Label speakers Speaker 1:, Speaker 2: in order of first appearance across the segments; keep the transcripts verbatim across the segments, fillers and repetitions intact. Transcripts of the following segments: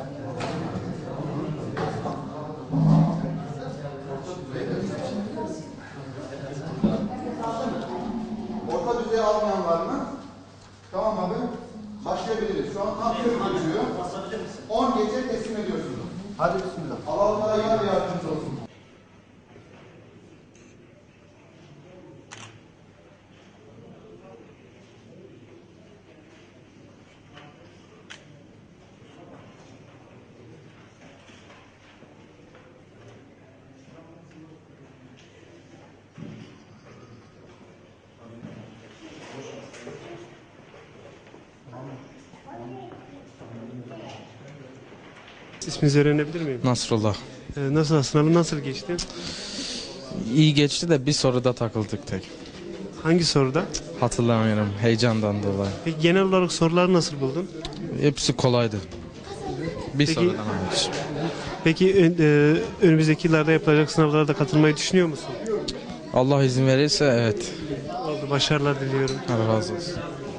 Speaker 1: Orta düzey almayan var mı? Tamam abi. Başlayabiliriz. Şu an tam geçiyor. on gece teslim ediyorsunuz. Hadi bismillah. Allah Teala yar ve yardımcınız olsun.
Speaker 2: İsminizi öğrenebilir miyim?
Speaker 3: Nasrullah.
Speaker 2: Ee, nasıl, sınavı nasıl geçti?
Speaker 3: İyi geçti de bir soruda takıldık tek.
Speaker 2: Hangi soruda?
Speaker 3: Hatırlamıyorum heyecandan dolayı.
Speaker 2: Peki genel olarak soruları nasıl buldun?
Speaker 3: Hepsi kolaydı. Bir
Speaker 2: Peki-
Speaker 3: sorudan hariç.
Speaker 2: Peki ön- e, önümüzdeki yıllarda yapılacak sınavlara da katılmayı düşünüyor musun?
Speaker 3: Allah izin verirse evet.
Speaker 2: Oldu, başarılar diliyorum.
Speaker 3: Allah razı olsun.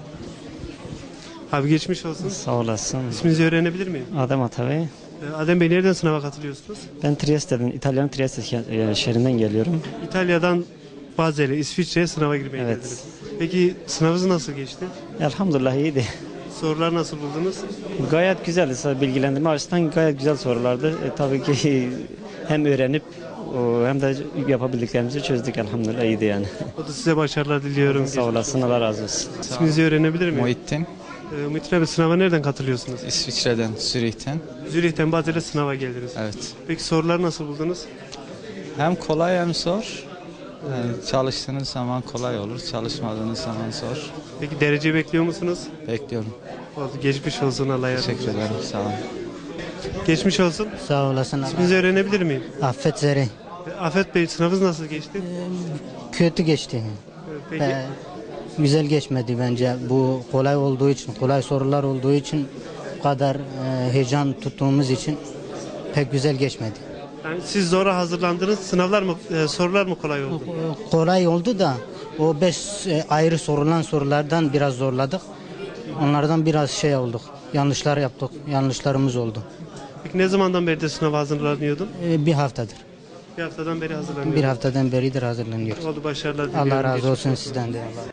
Speaker 2: Abi geçmiş olsun.
Speaker 4: Sağ olasın.
Speaker 2: İsminizi öğrenebilir miyim?
Speaker 4: Adem Atabey.
Speaker 2: Ee, Adem Bey, nereden sınava katılıyorsunuz?
Speaker 4: Ben Trieste'den, İtalya'nın Trieste ke- e, şehrinden geliyorum.
Speaker 2: İtalya'dan Bazel'e, İsviçre'ye sınava girmeye
Speaker 4: Evet.
Speaker 2: geldiniz. Peki sınavınız nasıl geçti?
Speaker 4: Elhamdülillah iyiydi.
Speaker 2: Sorular nasıl buldunuz?
Speaker 4: Gayet güzeldi. Bilgilendirme açısından gayet güzel sorulardı. E, tabii ki hem öğrenip o, hem de yapabildiklerimizi çözdük elhamdülillah iyiydi yani.
Speaker 2: O da size başarılar diliyorum.
Speaker 4: Sağ olasın, Allah razı olsun.
Speaker 2: İsminizi öğrenebilir miyim?
Speaker 3: Muhittin,
Speaker 2: Ee, Muhittin abi, sınava nereden katılıyorsunuz?
Speaker 3: İsviçre'den, Zürih'ten.
Speaker 2: Zürih'ten Bazel'e sınava geldiniz.
Speaker 3: Evet.
Speaker 2: Peki soruları nasıl buldunuz?
Speaker 3: Hem kolay hem zor. Yani çalıştığınız zaman kolay olur, çalışmadığınız zaman zor.
Speaker 2: Peki derece bekliyor musunuz?
Speaker 3: Bekliyorum.
Speaker 2: Oldu. Geçmiş olsun, Allah yardımcı
Speaker 3: Teşekkür
Speaker 2: olsun.
Speaker 3: ederim. Sağ olun.
Speaker 2: Geçmiş olsun.
Speaker 5: Sağ olasın.
Speaker 2: İsminizi öğrenebilir miyim?
Speaker 5: Affet Zeri.
Speaker 2: Ee, Afet Bey, sınavınız nasıl geçti?
Speaker 5: Kötü geçti.
Speaker 2: Ee, Peki
Speaker 5: Ee, güzel geçmedi bence. Bu kolay olduğu için, kolay sorular olduğu için, bu kadar e, heyecan tuttuğumuz için pek güzel geçmedi.
Speaker 2: yani siz zora hazırlandınız. Sınavlar mı, e, sorular mı kolay oldu?
Speaker 5: O- Kolay oldu da o beş e, ayrı sorulan sorulardan biraz zorladık. Onlardan biraz şey olduk. Yanlışlar yaptık. Yanlışlarımız oldu.
Speaker 2: Peki ne zamandan beri de sınava hazırlanıyordun?
Speaker 5: Ee, bir haftadır.
Speaker 2: Bir haftadan beri hazırlanıyordun.
Speaker 5: Bir haftadan beridir hazırlanıyoruz.
Speaker 2: Oldu, başarılar diliyorum.
Speaker 5: Allah razı
Speaker 2: Geçmiş
Speaker 5: olsun sizden de. Allah.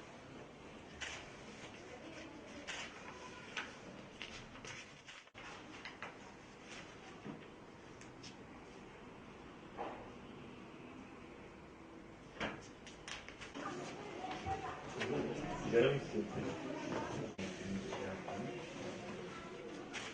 Speaker 6: Yarım istiyor.